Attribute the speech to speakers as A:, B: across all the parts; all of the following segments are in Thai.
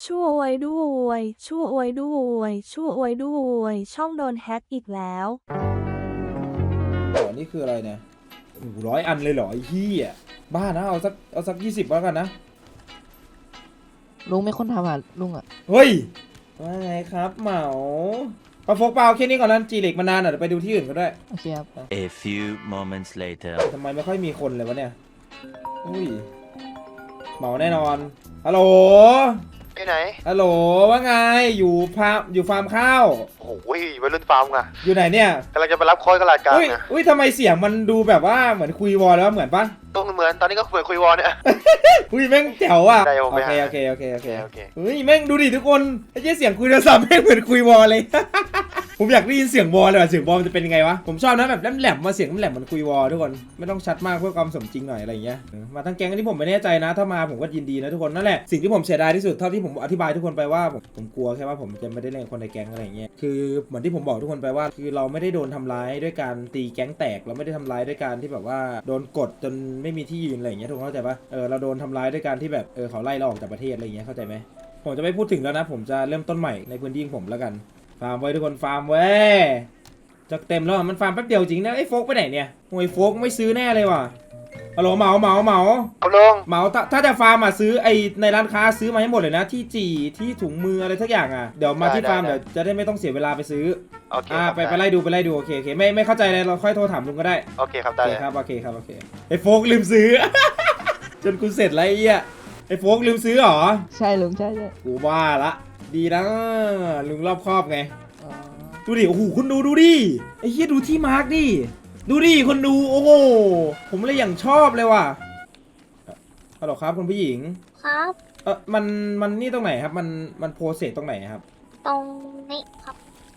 A: ช่วยด้วยช่วยด้วยช่วยด้วยช่องโดนแฮ็กอีกแล้ว
B: อ๋อนี่คืออะไรเนี่ย100 อันเลยเหรอไอ้เหี้ยบ้านะเอาสัก20แล้วกันนะ
C: ลุงไม่คนทำอ่ะลุงอ่ะ
B: เฮ้ยว่าไงครับเหมาปะโฟกเปล่าแค่นี้ก่อนนั้นจีเล็กมานานอ่ะเดี๋ยวไปดูที่อื่นก็ได้
C: โอเคครับ
D: A few moments later.
B: ทำไมไม่ค่อยมีคนเลยวะเนี่ยอุ้ยเหมาแน่นอนฮัลโหล
E: ที่ไหน
B: ฮัลโหลว่าไงอยู่ฟาร์มข้าว
E: โอ้โหวัยรุ่นฟาร์มไง
B: อยู่ไหนเนี่ย
E: กำลังจะไปรับโค้ดกระลาดกลาง
B: อุ้ย
E: ไง
B: อุ้ยทำไมเสียงมันดูแบบว่าเหมือนคุยวอลแล้วเหมือนปะ
E: ต้องเหมือนตอนนี้ก็เหมือนคุยวอลเนี่ย
B: อุ้ยแม่งแจ๋วอ่ะ
E: ได้ผม
B: โอ
E: ไป
B: เค
E: หา
B: โอเคโอเคโอเค
E: โอเค
B: เฮ้ยแม่งดูดิทุกคนไอ้เจ๊เสียงคุยโทรศัพท์แม่งเหมือนคุยวอลเลย ผมอยากได้ยินเสียงวอลเลยว่ะเสียงวอลมันจะเป็นยังไงวะผมชอบนะแบบแหลมๆมาเสียงแหลมๆเหมือนคุยวอลทุกคนไม่ต้องชัดมากเพื่อความสมจริงหน่อยอะไรอย่างเงี้ยมาทั้งแก๊งอันนี้ผมไม่แน่ใจนะถ้ามาผมก็ยินดีนะทุกคนนั่นแหละสิ่งที่ผมเสียดายที่สุดเท่าที่ผมอธิบายทุกคนไปว่าผมกลัวแค่ว่าผมจะไม่ได้เล่นกับคนในแก๊งอะไรอย่างเงี้ยคือเหมือนที่ผมบอกทุกคนไปว่าคือเราไม่ได้โดนทำร้ายด้วยการตีแก๊งแตกเราไม่ได้ทำร้ายด้วยการที่แบบว่าโดนกดจนไม่มีที่ยืนอะไรอย่างเงี้ยทุกคนเข้าใจปะเราโดนทำร้ายด้วยการที่แบบเขาไล่เราออกจากประเทศอะไรอย่างเงี้ยเข้าใจไหมผมจะไม่พูดถึงแล้วนะผมจะเริ่มต้นใหม่ในพื้นที่ของผมแล้วกันฟาร์มไว้ทุกคนฟาร์มไว้จะเต็มแล้วมันฟาร์มแป๊บเดียวจริงนะไอ้โฟกไปไหนเนี่ยโอ้ยโฟกไม่ซื้อแน่เลยว่ะฮัลโหลเหมา
E: เอาลง
B: เหมาถ้าจะฟาร์มอ่ะซื้อไอในร้านค้าซื้อมาให้หมดเลยนะที่จีที่ถุงมืออะไรทักอย่างอ่ะเดี๋ยวมาที่ฟาร์มเดี๋ยวจะได้ไม่ต้องเสียเวลาไปซื้อ
E: โอเคครับ
B: ไปไล่ดูโอเคไม่เข้าใจเลยเราค่อยโทรถามลุงก็ได้
E: โอเคครับ
B: โอ
E: ได้
B: เค
E: เลย
B: ครับโอเคไอโฟกลืมซื้อ จนกูเสร็จแล้วไอ้เหี้ยไอโฟกลืมซื้อเหรอ
C: ใช่ลุงใช่ใช่
B: กูว่าละดีนะลุงรอบครอบไง
C: อ๋อ
B: ดูดิโอ้โหคุณดูดิไอ้เหี้ยดูที่มาร์กดิดูดิคนดูโอ้โหผมเลยอย่างชอบเลยว่ะฮัลโหลครับคุณผู้หญิง
F: ครับ
B: มันนี่ตรงไหนครับมันโพสเซสตรงไหนครับ
F: ตรงนี้ครับ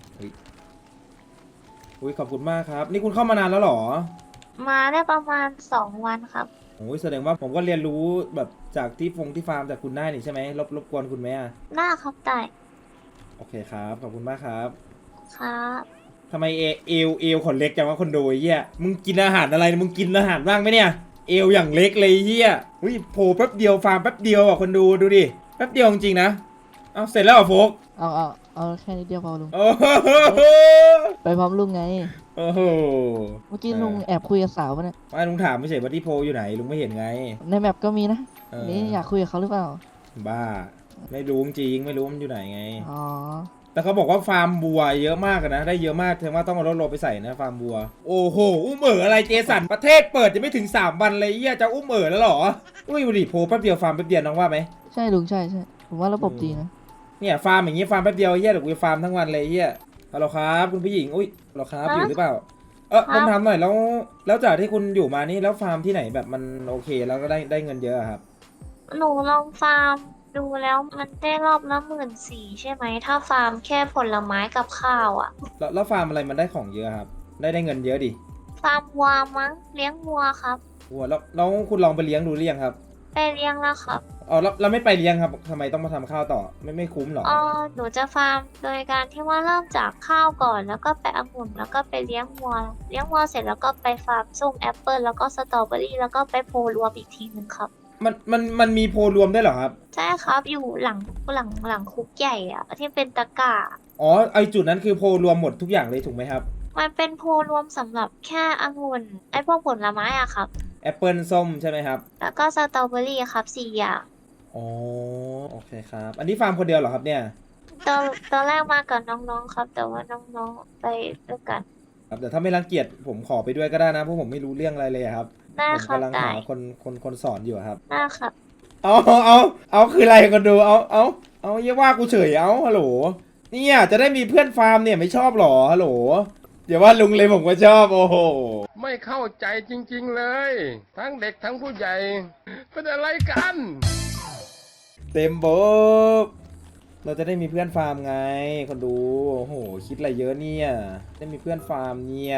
B: อุ้ยขอบคุณมากครับนี่คุณเข้ามานานแล้วเหรอ
F: มาได้ประมาณ2 วันครับ
B: โอ้ยแสดงว่าผมก็เรียนรู้แบบจากที่ฟาร์มจากคุณได้นี่ใช่ไหมรบกวนคุณไหมอ่ะ
F: หน้าครับได้
B: โอเคครับขอบคุณมากครับ
F: ครับ
B: ทำไมเอวขนเล็กจังวะคนดูไอ้เหี้ยมึงกินอาหารอะไรมึงกินอาหารบ้างไหมเนี่ยเอวอย่างเล็กเลยไอ้เหี้ยอุ้ยโผล่แป๊บเดียวฟาร์มแป๊บเดียวอ่ะคนดูดิแป๊บเดียวจริงๆนะเอาเสร็จแล้วเหรอโฟก
C: เอาแค่นิดเดียวพอลุง
B: โอ้โห
C: ไปพร้อมลุงไง
B: โอ้โห
C: เมื่อกี้ลุงแอบคุยกับสาวปะเนี่ย
B: ไม่ลุงถามไม่ใช่ว่าที่โพลอยู่ไหนลุงไม่เห็นไง
C: ในแมปก็มีนะ
B: เออ
C: นี่อยากคุยกับเขาหรือเปล่า
B: บ้าไม่รู้จริงไม่รู้มันอยู่ไหนไง
C: อ๋อ
B: แต่เขาบอกว่าฟาร์มบัวเยอะมากนะได้เยอะมากแสดงว่าต้องเอารถโรไปใส่นะฟาร์มบัวโอ้โหอุ้มเอ๋ออะไรเจสันประเทศเปิดจะไม่ถึง3 วันเลยเหี้ยจะอุ้มเอ๋อแล้วเหรออุ้ยดูดิโพลแป๊บเดียวฟาร์มแป๊บเดียวน้องว่าไหม
C: ใช่ลุงใช่ผมว่าระบบดีนะ
B: เนี่ยฟาร์มอย่างงี้ฟาร์มแป๊บเดียวเหี้ยเดี๋ยวกูฟาร์มทั้งวันเลยเหี้ยฮัลโหลครับคุณผู้หญิงอุ้ยฮัลโหลครับอยู่หรือเปล่าผมถามหน่อยแล้วจากที่คุณอยู่มานี่แล้วฟาร์มที่ไหนแบบมันโอเคแล้วก็ได้เงินเยอะครับ
F: หนูลองฟาร์มดูแล้วมันได้รอบละ14,000ใช่ไหม ถ้าฟาร์มแค่ผลไม้กับข้าวอ่ะ
B: แล้วฟาร์มอะไรมันได้ของเยอะครับได้เงินเยอะดิ
F: ฟาร์มวัวมั้งเลี้ยงวัวครับ
B: วัวแล้วคุณลองไปเลี้ยงดูหรือยังครับ
F: ไปเลี้ยงแล้วครับ
B: อ๋อแล้วไม่ไปเลี้ยงครับทำไมต้องมาทำข้าวต่อไม่คุ้มหรอ
F: หนูจะฟาร์มโดยการที่ว่าเริ่มจากข้าวก่อน แล้วก็ไปองุ่นแล้วก็ไปเลี้ยงวัวเสร็จแล้วก็ไปฟาร์มส้มแอปเปิลแล้วก็สตรอเบอรี่แล้วก็ไปโพลรวมอีกทีหนึ่งครับ
B: มันมีโพลรวมได้วยเหรอครับ
F: ใช่ครับอยู่หลังคุกใหญ่อะที่เป็นตะกร้า
B: อ๋อไอจุดนั้นคือโพลรวมหมดทุกอย่างเลยถูกไหมครับ
F: มันเป็นโพลรวมสำหรับแค่องุ่นไอพวกผลไม้อะครับ
B: แอปเปิลส้มใช่ไหมครับ
F: แล้วก็สตรอเบอรี่ครับ4 อย่าง
B: อ๋อโอเคครับอันนี้ฟาร์มคนเดียวเหรอครับเนี่ย
F: ตอนแรกมากับน้องๆครับ แต่ว่าน้องๆไปด้วยกัน
B: ครับแต่ถ้าไม่รังเกียจผมขอไปด้วยก็ได้นะเพราะผมไม่รู้เรื่องอะไรเลยครับ
F: ได้
B: ผม
F: ครับ
B: กำลัง
F: ได้
B: หาคนสอนอยู่ครับ
F: ได้ครับ
B: เอาคืออะไรกันดูเอาเยี่ยว่ากูเฉยเอาฮัลโหลเนี่ยจะได้มีเพื่อนฟาร์มเนี่ยไม่ชอบหรอฮัลโหลเดี๋ยวว่าลุงเลยผมก็ชอบโอ้โห
G: ไม่เข้าใจจริงๆเลย ทั้งเด็กทั้งผู้ใหญ่เป็นอะไรกัน
B: เต็มโบกเราจะได้มีเพื่อนฟาร์มไงคนดูโอ้โหคิดอะไรเยอะเนี่ยได้มีเพื่อนฟาร์มเนี่ย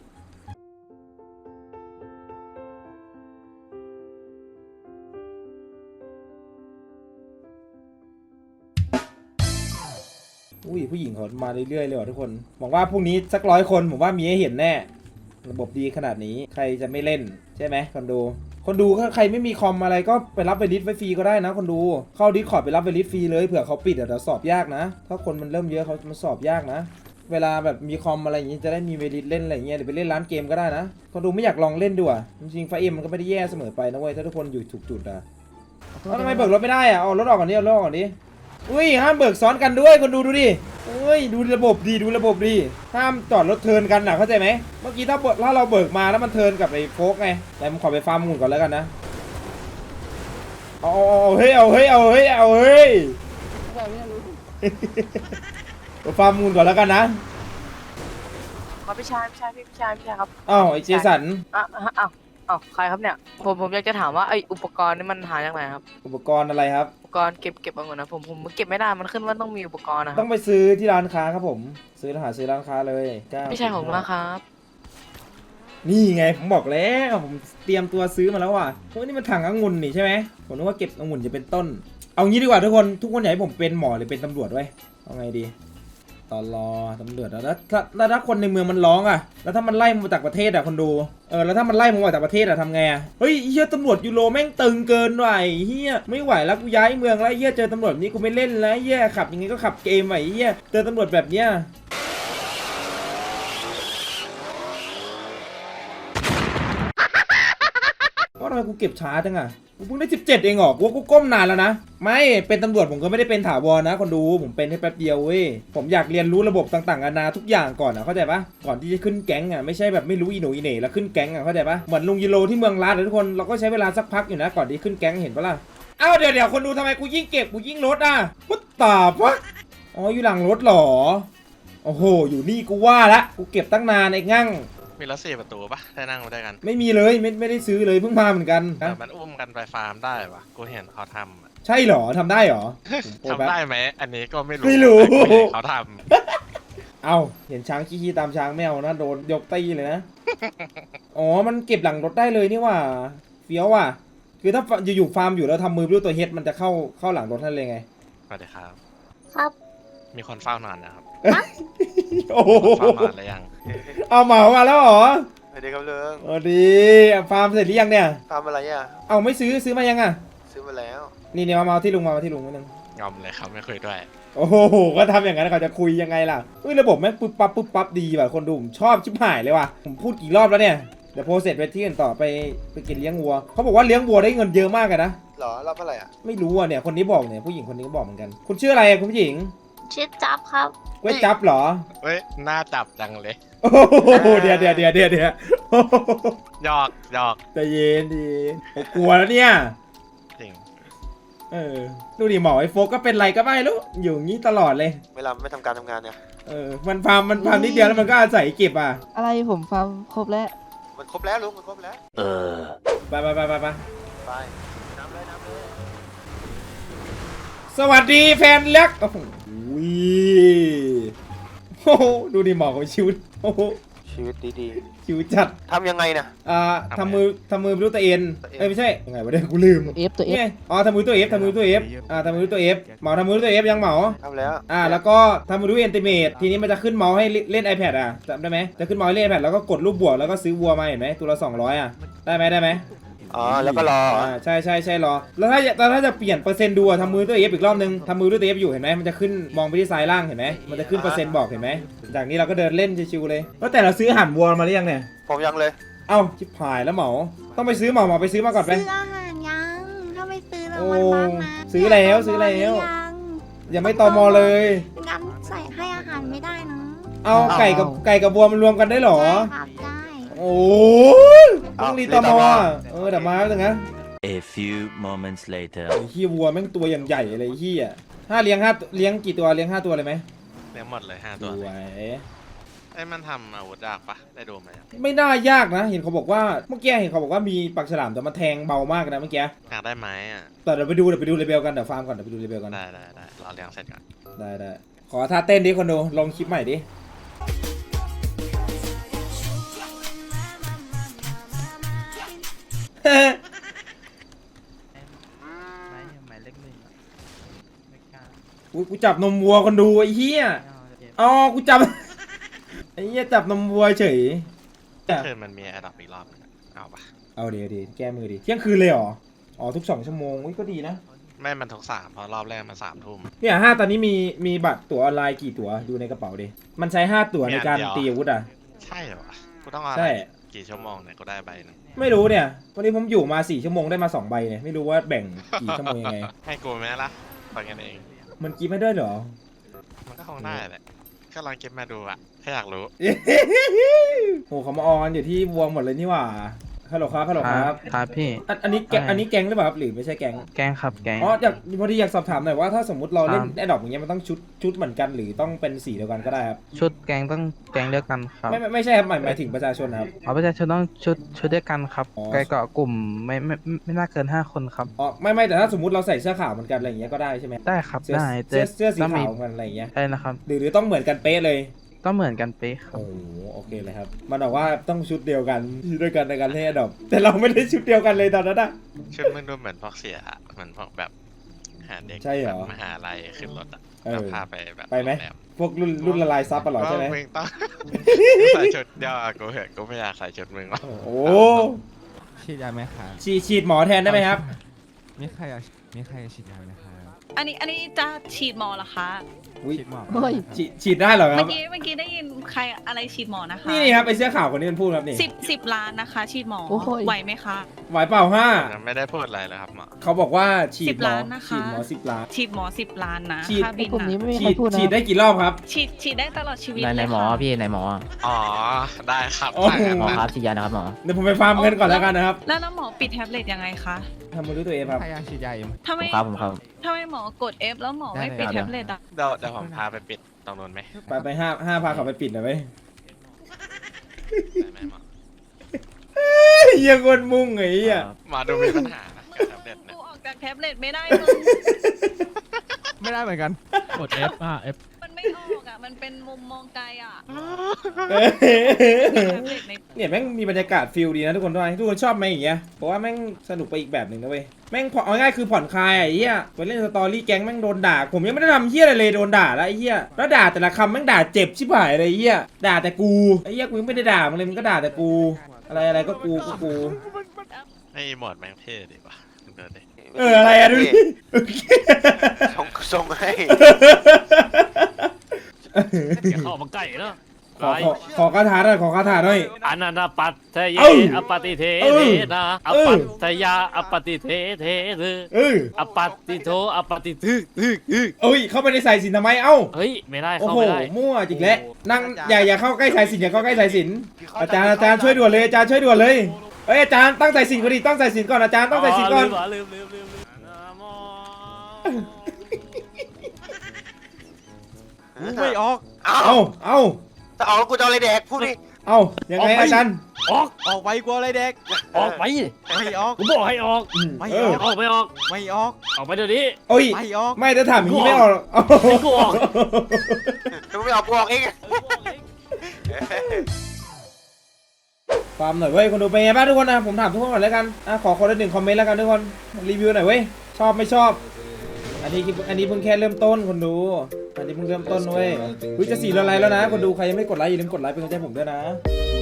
B: อุ้ยผู้หญิงเขามาเรื่อยๆเลยว่ะทุกคนหวังว่าพรุ่งนี้สัก100 คนผมว่ามีให้เห็นแน่ระบบดีขนาดนี้ใครจะไม่เล่นใช่ไหมคนดูคนดูถ้าใครไม่มีคอมอะไรก็ไปรับไปลิสต์ไว้ฟรีก็ได้นะคนดูเข้าดิสคอร์ดไปรับไปลิสต์ฟรีเลยเผื่อเขาปิดเดี๋ยวสอบยากนะถ้าคนมันเริ่มเยอะเขามันสอบยากนะเวลาแบบมีคอมอะไรอย่างงี้จะได้มีเวลิสเล่นอะไรอย่างเงี้ยหรือไปเล่นร้านเกมก็ได้นะคนดูไม่อยากลองเล่นดูอ่ะจริงๆไฟเอ็มมันก็ไม่ได้แย่เสมอไปนะเว้ยถ้าทุกคนอยู่ถูกจุดอ่ะแล้วทำไมเบิกรถไม่ได้อ่ะเอารถออกก่อนดิเอารถออกก่อนดิอุ้ยห้ามเบิกซ้อนกันด้วยคนดูดูดิอุ้ยดูระบบดีดูระบบดีห้ามจอดรถเทิร์นกันนะเข้าใจไหมเมื่อกี้ถ้าเราเบิกมาแล้วมันเทิร์นกับไอ้โฟกไงแต่ผมขอไปฟาร์มหมุนก่อนแล้วกันนะเอาเฮ้ยเอาเฮ้ยเอาเฮ้ยเอาเฮ้ยไปฟาร์มหมุนก่อนแล้วกันนะครับ
C: พี่ชายครับ
B: อ้าวไอ้เจสัน
C: อ้าวใครครับเนี่ยผมอยากจะถามว่าไออุปกรณ์นี่มันหาจากไหนครับ
B: อุปกรณ์อะไรครับ
C: อุปกรณ์เก็บเอาเงินนะผมเก็บไม่ได้มันขึ้นว่าต้องมีอุปกรณ์นะค
B: ต้
C: รั
B: อบ งไปซื้อที่ร้านค้าครับผมซื้อร้านค้าเลย
C: พี่ชายผมนะครับ
B: นี่ไงผมบอกแล้วผมเตรียมตัวซื้อมาแล้วว่ะเพราะนี่มันถังองุ่นนี่ใช่ไหมผมนึกว่าเก็บองุ่นจะเป็นต้นเอางี้ดีกว่าทุกคนอยากให้ผมเป็นหมอหรือเป็นตำรวจไว้เอาไงดีตอนรอตำรวจแล้วถ้าคนในเมืองมันร้องอ่ะแล้วถ้ามันไล่มาจากประเทศอ่ะคนดูแล้วถ้ามันไล่มาจากประเทศอ่ะทำไงอ่ะเฮ้ยเฮียตำรวจยูโรแม่งตึงเกินว่ะเฮียไม่ไหวแล้วกูย้ายเมืองแล้วเฮียเจอตำรวจนี้กูไม่เล่นแล้วเฮียขับยังไงก็ขับเกมว่ะเฮียเจอตำรวจแบบเนี้ยว่าทำไมกูเก็บช้าจังอ่ะกูเพิ่งได้17เองเหรอกูว่ากูก้มนานแล้วนะไม่เป็นตำรวจผมก็ไม่ได้เป็นถาวรนะคนดูผมเป็นแค่แป๊บเดียวเว้ยผมอยากเรียนรู้ระบบต่างๆนานาทุกอย่างก่อนเข้าใจปะก่อนที่จะขึ้นแก๊งอ่ะไม่ใช่แบบไม่รู้อีโหนอีเหน่แล้วขึ้นแก๊งอ่ะเข้าใจปะเหมือนลุงยูโรที่เมืองลาดเลยทุกคนเราก็ใช้เวลาสักพักอยู่นะก่อนที่ขึ้นแก๊งเห็นปะล่ะอ้าวเดี๋ยวคนดูทำไมกูยิ่งเก็บกูยิ่งลดอ่ะพุทตาปะอ๋ออยู่หลังรถหรอโอ้โหอยู่นี่กูว่าละกูเก็บตั้งนานไอ้งั่ง
H: มีรถ4 ประตูปะได้นั่งมาด้วยกัน
B: ไม่มีเลยไม่ได้ซื้อเลยเพิ่งมาเหมือนกัน
H: แต่มันอุ้มกันไปฟาร์มได้ปะกูเห็นเขาทำอะ
B: ใช่เหรอทำได้เหรอ
H: ทำได้ไหมอันนี้ก็ไม่รู้
B: ไม่รู้
H: แต่กูเห็นเขาท
B: เอาเห็นช้างขี้ตามช้างแมวนะโดนยกตีเลยนะ อ๋อมันเก็บหลังรถได้เลยนี่ว่าเฟี้ยวว่ะคือถ้าอยู่ฟาร์มอยู่แล้วทำมือด้วยตัวเฮดมันจะเข้าหลังรถนั่นเลยไง
H: ำสวัสดีครับ
F: ครับ
H: มีคนเฝ้านานนะครับ
B: โอ้โห
H: เฝ้านานแล้วยัง
B: เอาเหมามาแล้วเหรอ
E: สวัสดีครับเรือง
B: โอ้ดีฟาร์มเสร็จหรือยังเนี่ย
E: ทำอะไรอ่ะ
B: เอาไม่ซื้อมายังอ่ะ
E: ซื้อมาแล้ว
B: นี่มาที่ลุงที่ลุงนิดนึง
H: งอมเลยครับไม่คุยด้วย
B: โอ้โหก็ทำอย่างนั้นเขาจะคุยยังไงล่ะเฮ้ยระบบแม่งปุ๊บปั๊บดีว่ะคนดูผมชอบชิบหายเลยว่ะผมพูดกี่รอบแล้วเนี่ยเดี๋ยวโพสเสร็จไปที่อื่นต่อไปกินเลี้ยงวัวเขาบอกว่าเลี้ยงวัวได้เงินเยอะมากเลยนะ
E: หรอรับอะไรอ่ะ
B: ไม่รู้อ่ะเนี่ยคนนี้บอกเนี่ยผู้หญิงคนนี้ก็บอกเหมือนกันคุณชื่ออะไรอะคุณผู้หญิง
F: ชื่อจับครับ
B: เว้ยจับเหรอ
H: เฮ้ยหน้าจับจังเลย
B: โอ้โหเดี๋ยวโอ้โห
H: หยอก
B: ใจเย็นดีผมกลัวแล้วเนี่ย
H: จริง
B: ดูดิหมอไอ้โฟกก็เป็นไรก็ไม่รู้อยู่อย่างนี้ตลอดเลย
E: เวลาไม่ทำการทำงานเนี่ย
B: มันฟาร์มนิดเดียวแล้วมันก็อาศัยเก็บอ่ะ
C: อะไรผมฟาร์มครบแล้ว
E: มันครบแล้วลุงมันครบแล้ว
B: ไป
E: ไปน้ำเลย
B: สวัสดีแฟนเล็กโอ้โหโอ้โหดูดิหมอของชิวโอ้โห
E: ชีวิตดี
B: ชิวจัด
E: ๆทำยังไงนะ
B: ทำมือไปรู้ตัวเอ็นไม่ใช่ยังไงวะเนี่ยกูลืม
C: ตัว F
B: นี่ไงอ๋อทำมือตัว F ทำมือตัว F ทำมือตัว F เหมาทำมือตัว F ยังเหมา
E: ทำแล้ว
B: แล้วก็ทำมือด้วย Ultimate ทีนี้มันจะขึ้นเมาส์ให้เล่น iPad อ่ะจำได้ไหมจะขึ้นเมาส์ให้เล่น iPad แล้วก็กดรูปบวกแล้วก็ซื้อวัวมาเห็นไหมตัวละ200อ่ะได้ไหม
E: อ๋อแล้วก็รอ
B: ใช่รอแล้วถ้าจะเปลี่ยนเปอร์เซ็นต์ดูทำมือตัว F อีกรอบนึงทำมือด้วยตัว F อยู่เห็นไหมมันจะขึ้นมองไปที่ซ้ายล่างเห็นไหมมันจะขึ้นเปอร์เซ็นต์บอกเห็นไหมจากนี้เราก็เดินเล่นชิวๆเลยแล้วแต่เราซื้ออาหารวัวมาหรือยังเนี่ย
E: ผมยังเลย
B: เอ้าชิบหายแล้วเหมาต้องไปซื้อเหมาไปซื้อมาก่อนไป
I: ซื้ออาหารยังถ้าไม่ซื้อแล้ว
B: โอ้
I: มันบ้างนะ
B: ซื้อแล้ว ยังไม่ตอมอเลย
I: งั้นใส่ให้อาหารไม่ได้นะ
B: เอาไก่กับวัวมันรวมกันได้เหรอ
I: ใช่ครับได้
B: โอ้ยต้องรีตอมอเดี๋ยวมาแล้วนะ
D: A few moments later.
B: ไอ้ขี้วัวแม่งตัวอย่างใหญ่เลยไอ้ขี้เลี้ยงกี่ตัวเลี้ยง5 ตัวเลยไหม
H: เลี้ยงหมดเลย5 ตัว
B: สวย
H: ไอ้มันทำอาวุธยากปะได้ดูไหมอะ
B: ไม่น่ายากนะเห็นเขาบอกว่าเมื่อกี้เห็นเขาบอกว่ามีปากฉลามแต่มันแทงเบามากนะเมื่อกี้
H: อยากได้ไหมอ่ะ
B: แต่เดี๋ยวไปดูเลเบลกันเดี๋ยวฟาร์มก่อนเดี๋ยวไปดูเลเบลกัน
H: ได้รอเลี้ยงเสร็จก่อน
B: ได้ขอท่าเต้นดิคนดูลงคลิปใหม่ดิ
C: หมายเลข 1ไม่กล้า
B: อุ๊ยกูจับนมวัวคนดูไอ้เหี้ยอ๋อกูจับ ไอ้เหี้ยจับนมวัวเฉย
H: คืนมันมีแอดดอปอีกรอบนึงอะเอาปะ
B: เอาเดี๋ยวแก้มือดิเที่ยงคืนเลยเหรออ๋อทุก2 ชั่วโมงก็ดีนะ
H: ไม่มันทุก3เพราะรอบแรกมัน3 ทุ่ม
B: เนี่ยตอนนี้มีบัตรตั๋วออนไลน์กี่ตั๋วดูในกระเป๋าดิมันใช้5 ตั๋วในการตีอาวุธอ่ะ
H: ใช่เหรอวะกูต้องเอา
B: ใช่
H: กี่ชั่วโมงเนี่ยกูได้ใบหนึง
B: ไม่รู้เนี่ยวันนี้ผมอยู่มา4 ชั่วโมงได้มา2 ใบเนี่ยไม่รู้ว่าแบ่งกี่ชั่วโมงยังไง
H: ให้กูไหมล่ะฟังกันเอง
B: มันกินไม่ได้เหรอ
H: มันก็คงได้แหละก็ลองเก็บมาดูอะแค่อยากรู้
B: โหเขามาออนอยู่ที่วงหมดเลยนี่หว่าฮัลโหลครับ
J: ครับพี่
B: อันนี้แก๊งหรือเปล่าครับหรือไม่ใช่แก๊ง
J: แกงครับแกง
B: อ๋อพอดีอยากสอบถามหน่อยว่าถ้าสมมติเราเล่น
J: ครับ
B: แอดดอปอย่างเงี้ยมันต้องชุดเหมือนกันหรือต้องเป็นสีเดียวกันก็ได้ครับ
J: ชุดแกงต้องแกงเดียวกันครับ
B: ไม่ใช่ครับหมายถึงประชาชนนะครับ
J: เอาประชาชนต้องชุดเดียวกันครับ
B: อ๋อ
J: ไกลเกาะกลุ่มไม่น่าเกิน5 คนครับ
B: อ๋อไม่แต่ถ้าสมมติเราใส่เสื้อขาวเหมือนกันอะไรอย่างเงี้ยก็ได้ใช่ไหม
J: ได้ครับ
B: เสื้อ
J: ได้
B: เสื้อสี
J: ต้อง
B: ขา
J: มี
B: วเหมือนกันอะไรอย่างเงี้ย
J: ได้นะครับ
B: หรือต้องเหมือนกันเป๊ะเลย
J: ต้องเหมือนกันเป๊ะครับ
B: โอ้โหโอเคเลยครับมันบอกว่าต้องชุดเดียวกันด้วยกันในการเล่นแอดดอปแต่เราไม่ได้ชุดเดียวกันเลยตอนนั้นอะ
H: ชุดมึงดูเหมือนพวกเสียอะเหมือนพวกแบบหาเด็ก
B: ใช่เหรอ
H: แบบมหาลัยขึ้นรถอะ
B: เออ
H: แล้วพาไปแบบ
B: ไปไหม
H: โรงแร
B: พวกรุ่นละลายซับปะเหรอใช่ไหม
H: ว่ามึงต้อง ใส่ชุดเดียวอะกูเหอะกูไม่อยากใส่ชุดมึงหรอก
B: โอ้
J: ฉีดยาไหมครับ
B: ฉีดหมอแทนได้ไหมครับ
J: มีใครฉีดยาไหมครับ
K: อันนี้จะฉีดหมอเหรอคะ
B: อุ๊ย
J: ฉีดหมอ
B: ฉีดได้เหรอค
K: เมื่
B: รับ
K: อกี้ได้ยินใครอะไรฉีดหมอนะคะ
B: นี่ครับไอเสื้อขาวคนนี้มันพูดครับนี่
K: 10 ล้านนะคะ ฉีดหมอไหวไหมคะ
B: ไหวเปล่าห้า
H: ยังไม่ได้พูดอะไรเลยครับหมอ
B: เขาบอกว่าฉีดหมอ
K: 10 ล้านนะคะ
B: ฉีดหมอ10 ล้าน
K: ฉีดหมอ10 ล้านนะ
B: ฉีด
K: ค่าบินนะ
B: ฉีดได้กี่รอบครับ
K: ฉีดได้ตลอดชีวิต
J: ไหน
K: เลย
J: หมอ
K: ค่ะ
J: พี่ไหนหมอ
H: อ๋อได้ครับ
B: โอ้โห
H: ได้ครับ
J: ฉีดยานะครับหมอ
B: เดี๋ยวผมไปฟาร์มเงินก่อนแล้วกันนะครับ
K: แล้วหมอปิดแท็บเล็ตยังไงคะ
B: ทำมือด้วยตัวเองครับ
J: ใครอยากฉีดยาอยู่
K: ทำไม
J: ผมครับ
K: ทำไมหมอกด F แล้วหมอไม่ปิดแท็บเล็ตอ่ะ
H: เดี๋ยวผมพาไปปิดตรงนู้นไหม
B: ไปห้าพาเขาไปปิดหน่อยไหม
H: ได้ไหมหมอ
B: เฮียคนมุ่งไงเฮีย
H: หมอดูมีปัญหานะกับแท็บเล็ตเนี่ย
K: กูออกจากแท็บเล็ตไม่ได้มึง
J: ไม่ได้เหมือนกันกด F F
K: มันไม่ออกอ่ะ มันเป็นมุมมองไกลอ่ะ
B: เอ้ย
K: มีแท็บเล็ตใน
B: เนี่ยแม่งมีบรรยากาศฟิลดีนะทุกคนด้วยทุกคนชอบไหมอย่างเงี้ยเพราะว่าแม่งสนุกไปอีกแบบหนึ่งนะเว้ยแม่งเอาง่ายคือผ่อนคลายอะไอ้เหี้ยไปเล่นสตอรี่แก๊งแม่งโดนด่าผมยังไม่ได้ทำเหี้ยอะไรเลยโดนด่าแล้วไอ้เหี้ยแล้วด่าแต่ละคำแม่งด่าเจ็บชิบหายเลยไอ้เหี้ยด่าแต่กูไอ้เหี้ยกูยังไม่ได้ด่ามึงเลยมึงก็ด่าแต่กู อะไรก็กู
H: ไอ้หมวดแม่งเท่ดีว่ะมึงเดินดิ
B: อะไรอะดูดิ
E: ส่งให้
J: เข้ามาใกล้แล้ว
B: ขอคาถาหน่อยขอคาถาหน่อย
J: อนันตปัตเทเย
B: เอ้า
J: อปฏิเท
B: เอ้า
J: เทนะอ
B: เอ้า
J: ปัตตยาอปฏิเทเทเท
B: เออ
J: อปัตติโทอปฏิทึกทึกทึก
B: เอ้ยเข้าไปในสายสินทำไมเอ้า
J: เฮ้ยไม่ได้
B: โอ้
J: เข้า
B: โห
J: ไม่ได้
B: มั่วจริงแล้วนั่งอย่าเข้าใกล้สายสินอย่าเข้าใกล้สายสินอาจารย์ช่วยด่วนเลยอาจารย์ช่วยด่วนเลยเอ้ยอาจารย์ตั้งสายสินก่อนดิตั้งสายสินก่อนอาจารย์ตั้งสายสินก่อน
J: ลืมนะโม
E: ไม่ออก
B: เอา
E: ถ้าออกแล้วกูจะเอาอะไรแดกพูดดิ
B: เอายังไงอาจารย์
J: ออกไปกลัวอะไรเด็กออกไป
E: ไม่ออก
J: กูบอกให้ออก
B: เออ
J: ออกไม่ออก
E: ไม่ออก
J: ออกไปเดี๋ยวนี้
B: โอ้ย
E: ไม่ออก
B: ไม่จะถามอย่างนี้ไม่ออกเอา
J: กูออก
E: ถ้าไม่ออกกูออกเอง
B: ฟาร์มหน่อยเว้ยคนดูเป็นไงบ้างทุกคนนะผมถามทุกคนก่อนแล้วกันขอคนละ1 คอมเมนต์แล้วกันทุกคนรีวิวหน่อยเว้ยชอบไม่ชอบอันนี้เพิ่งแค่เริ่มต้นคนดูอันนี้เพิ่งเริ่มต้นเว้ยจะ4 ละไลค์แล้วนะคนดูใครยังไม่กดไลค์อย่าลืมกดไลค์เป็นกำลังใจให้ผมด้วยนะ